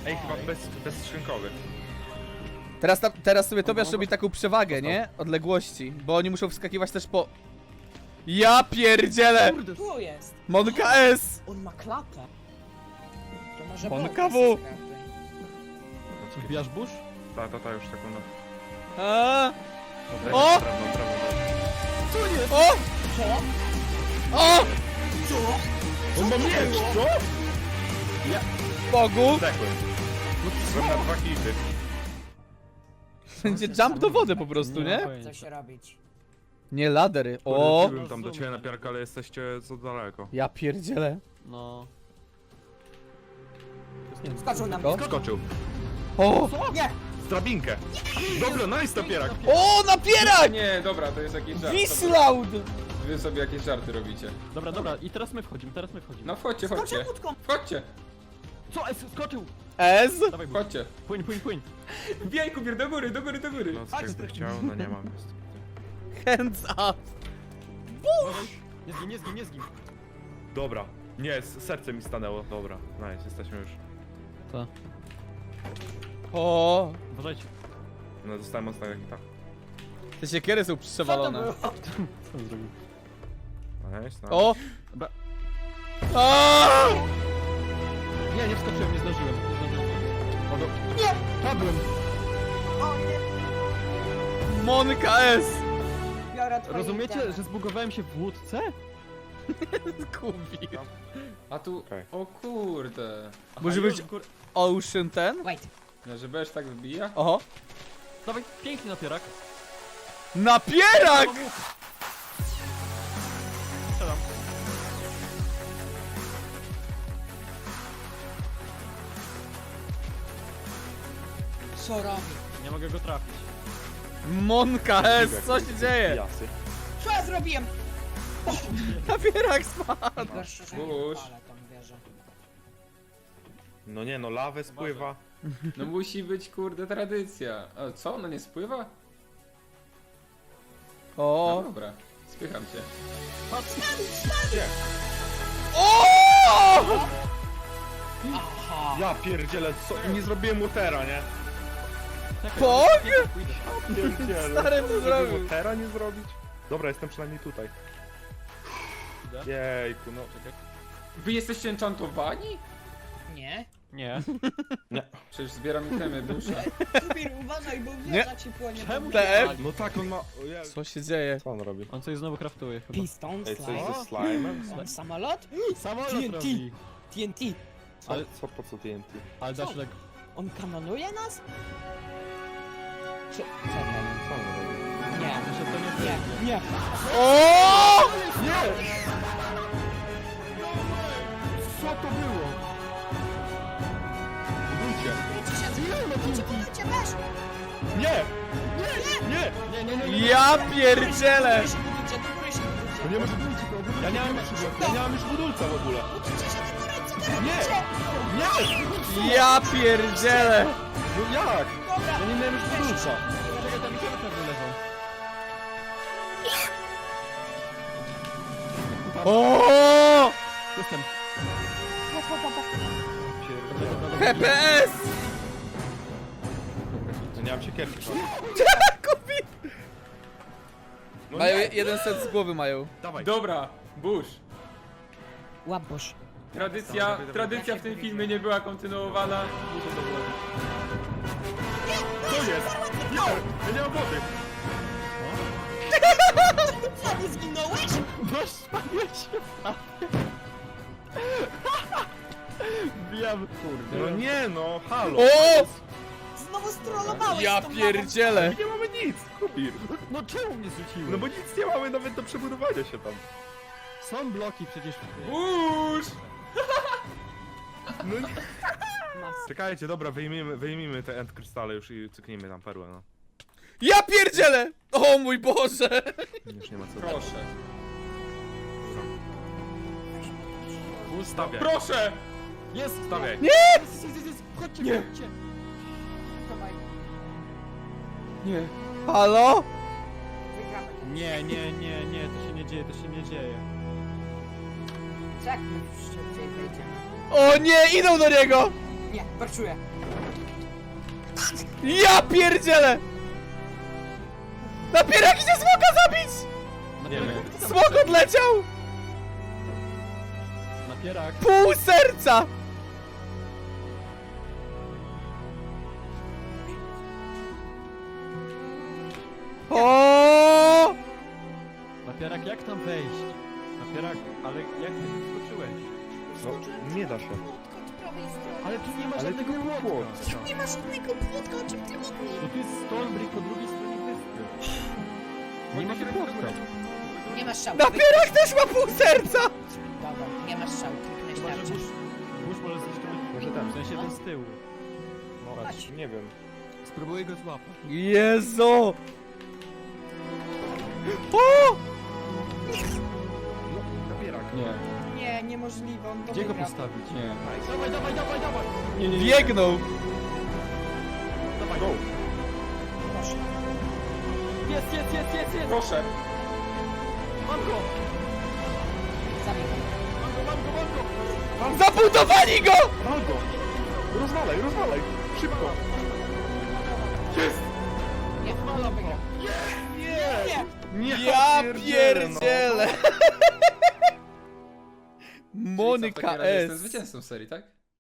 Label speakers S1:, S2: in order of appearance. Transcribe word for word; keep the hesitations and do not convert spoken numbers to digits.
S1: Ej, chyba bez, bezskrzynkowy.
S2: Teraz, ta, teraz sobie Tobiasz robi taką przewagę, nie? Odległości, bo oni muszą wskakiwać też po... Ja pierdzielę!
S3: Kurde,
S4: Tu jest.
S2: Monka S!
S4: On ma klatę. To może
S2: Monka
S4: było
S2: W.
S4: bez karty.
S3: wbijasz burz?
S1: Ta, ta, ta, już sekundę.
S2: A,
S1: Prawo,
S2: O!
S1: prawo, prawo.
S3: Co jest?
S2: o!
S4: Co?
S2: O!
S4: Co?
S1: On ma miecz, co?
S2: Bogu!
S1: Zdechłem. Byłem na dwa hity.
S2: Będzie jump do wody po prostu, nie?
S4: Co się robić?
S2: Nie ladery. O!
S1: Byłem tam do ciebie na piarkę, ale jesteście za daleko.
S2: Ja pierdzielę.
S3: No.
S4: Skoczył na
S2: Co?
S4: mnie.
S1: Skoczył.
S2: O!
S4: Nie!
S1: Z drabinkę. Dobra, nice napierak.
S2: O! Napierak!
S5: Nie, dobra, to jest jakiś żart.
S2: Wislaud!
S5: Wy sobie jakieś żarty robicie.
S3: Dobra, dobra, i teraz my wchodzimy, teraz my wchodzimy.
S5: No wchodźcie, chodźcie.
S4: Skoczył łódką!
S5: Wchodźcie,
S3: Co? Es, skoczył!
S2: S?
S3: Dawaj, burz.
S5: wchodźcie.
S3: Płyń, płyń, płyń.
S5: Wbijaj kupier, do góry, do góry, do góry.
S1: No, co jakby chciał, no nie mam.
S2: Hands up!
S3: Uważaj. Nie zgin, nie zgin, nie zgin.
S1: Dobra. Nie, s- serce mi stanęło. Dobra, nice, jesteśmy już.
S3: Co?
S2: O!
S3: Uważajcie.
S1: No, dostałem ostatniego hita.
S2: Te siekiery są
S4: Co to
S2: przewalone.
S4: było?
S3: Co on zrobił?
S1: Nice, nice.
S2: O!
S3: Dobra.
S2: A!
S3: Nie, nie wskoczyłem, nie zdążyłem. Nie zdążyłem. O, do...
S4: Nie!
S3: Padłem!
S4: O nie!
S2: Monka S!
S4: Biorę twoje
S3: Rozumiecie,
S4: itemy.
S3: że zbugowałem się w łódce?
S2: Kubi.
S5: A tu,
S1: Okej.
S5: o kurde.
S2: Może być Ocean ten?
S4: Wait.
S5: No, że będziesz tak wbija?
S2: Oho.
S3: Dawaj, piękny napierak.
S2: Napierak!
S3: Strzelam.
S4: Co robi?
S3: Nie mogę go trafić.
S2: Monka S! Co się dzieje?
S1: Jasy.
S4: Co ja zrobiłem?
S2: Napierak spadł!
S4: Gorsze, że nie
S5: Bush.
S4: wypalę tą wieżę.
S1: No nie, no lawę spływa.
S5: No musi być kurde tradycja. A co, ona nie spływa? No
S2: O!
S5: dobra, spycham cię.
S1: Gdzie?
S2: O!
S4: Aha!
S1: Ja pierdzielę, co? Nie zrobiłem motera, nie?
S3: Czekaj,
S2: Pog?
S3: nie pójdę.
S1: Pierdzielę.
S2: Stary to
S1: Żeby
S2: zrobił.
S1: motera nie zrobić? Dobra, jestem przynajmniej tutaj.
S3: Idę.
S1: Jejku, no.
S3: Czekaj.
S5: Wy jesteście enchantowani?
S4: Nie?
S3: Nie.
S5: Przecież zbieram itemy dusza.
S4: Kubir, uważaj, bo
S2: Nie.
S4: wieża ci płonie.
S3: Czemu
S4: po
S3: się
S2: T F?
S3: pali?
S1: No tak, on ma... O Jezu.
S2: Co się dzieje?
S1: Co on robi?
S3: On coś znowu kraftuje chyba.
S4: Piston,
S1: Ej, coś
S4: slime.
S1: ze slime'em?
S4: On samolot?
S3: Samolot
S4: T N T.
S3: robi.
S4: T N T.
S1: Co,
S3: Ale-
S1: co, po co T N T?
S3: Ale dasz
S4: Co?
S3: leg...
S4: On kanonuje nas? Czy... Co to?
S1: Co on robi?
S4: Nie.
S3: Myślę, to nie
S4: Nie,
S3: wyjdzie.
S4: nie.
S2: O!
S1: Co to było? Budujcie.
S4: Budujcie, weź!
S1: Nie! Nie!
S3: Nie, nie, nie, nie.
S2: Ja pierdzielę!
S4: Do góry się budujcie, do góry się budujcie.
S1: To nie może być. Ja nie mam już, ja nie mam już budulca w ogóle.
S4: Budujcie się do góry, co wy
S1: Nie!
S4: robicie?
S1: Nie!
S2: Ja pierdzielę!
S1: No jak?
S4: Dobra.
S1: Ja nie miałem już budulca.
S3: Czekaj, tam idziemy pewnie leżą.
S2: O!
S3: Jestem.
S2: H P S!
S1: No nie mam siekierki.
S2: Kubi!
S1: No
S2: Mają
S1: nie.
S2: jeden set z głowy mają.
S1: Dawaj.
S5: Dobra, Bush.
S4: Łabusz.
S5: Tradycja,
S1: Dawaj, dawaj,
S5: tradycja w tym filmie nie była kontynuowana.
S1: Co jest? Nie! Ja nie mam wody.
S4: Co, nie zginąłeś?
S3: No spaliłeś się. Wbijam, kurde.
S1: No nie no, halo.
S2: O!
S4: Znowu strollowałeś
S2: Ja
S4: z tą
S2: pierdzielę!
S1: Nie mamy nic, Kubir.
S3: No czemu mnie zrzuciły?
S1: No bo nic nie mamy nawet do przebudowania się tam.
S3: Są bloki przecież.
S5: Bush!
S1: No nie.
S4: lawą. Mas-
S1: Czekajcie, dobra, wyjmijmy, wyjmijmy te end krystale już i cyknijmy tam perłę, no.
S2: Ja pierdzielę! O mój Boże!
S1: Już nie ma co.
S5: Proszę.
S1: Ustawiaj.
S5: Proszę!
S3: Jest!
S1: Stawiaj.
S3: Nie! Jest, jest, jest, jest. Chodźcie,
S5: Nie.
S3: chodźcie.
S4: Dawaj,
S5: Nie.
S2: Halo?
S4: wygramy.
S3: Nie, nie, nie, nie, to się nie dzieje, to się nie dzieje.
S4: Co jak my szybciej wejdziemy?
S2: O nie, idą do niego!
S4: Nie, parczuję.
S2: Ja pierdzielę! Napierak idzie smoka zabić!
S3: Napierak,
S2: Smok odleciał!
S3: napierak.
S2: Pół serca! O!
S3: Napierak, jak tam wejść? Napierak, ale jak ty wyskoczyłeś?
S1: No, nie da się.
S3: Ale tu nie ma
S1: Ale
S3: żadnego
S1: tu nie ma
S3: płotka.
S1: płotka.
S4: Nie ma żadnego płotka, o czym ty mówisz?
S3: No tu jest Stormbrick po drugiej stronie wyspy. Nie ma płotka.
S4: Nie masz szału.
S2: Napierak też ma pół serca!
S4: Dobra, nie masz szału, kliknąć
S3: Chyba, że
S4: tarczę.
S3: burz, burz może zniszczyć
S1: Może tam.
S3: w sensie ten z tyłu.
S1: Patrz, nie wiem.
S3: Spróbuję go złapać.
S2: Jezu! O!
S1: No, napierak.
S5: Nie,
S4: Nie, niemożliwe, on to
S3: Gdzie go
S4: wygrał.
S3: postawić?
S5: nie.
S3: Dawaj, dawaj, dawaj, dawaj!
S5: Nie, nie, nie.
S2: Biegnął!
S3: Dawaj,
S1: Go.
S4: Proszę.
S3: Jest, jest, jest, jest, jest!
S5: Proszę.
S3: Mam go!
S4: Zabij go.
S3: Mam go, mam go, mam go!
S2: Zabudowali go!
S1: Wal go! Rozwalaj, rozwalaj! Szybko! Jest!
S4: Nie, on to wygrał. Nie!
S1: Nie!
S2: Ja
S1: pierdzielę, no.
S2: pierdzielę!
S5: Czyli co, w
S2: Monika
S5: takim razie Jestem
S2: S.
S5: zwycięzcą serii, tak?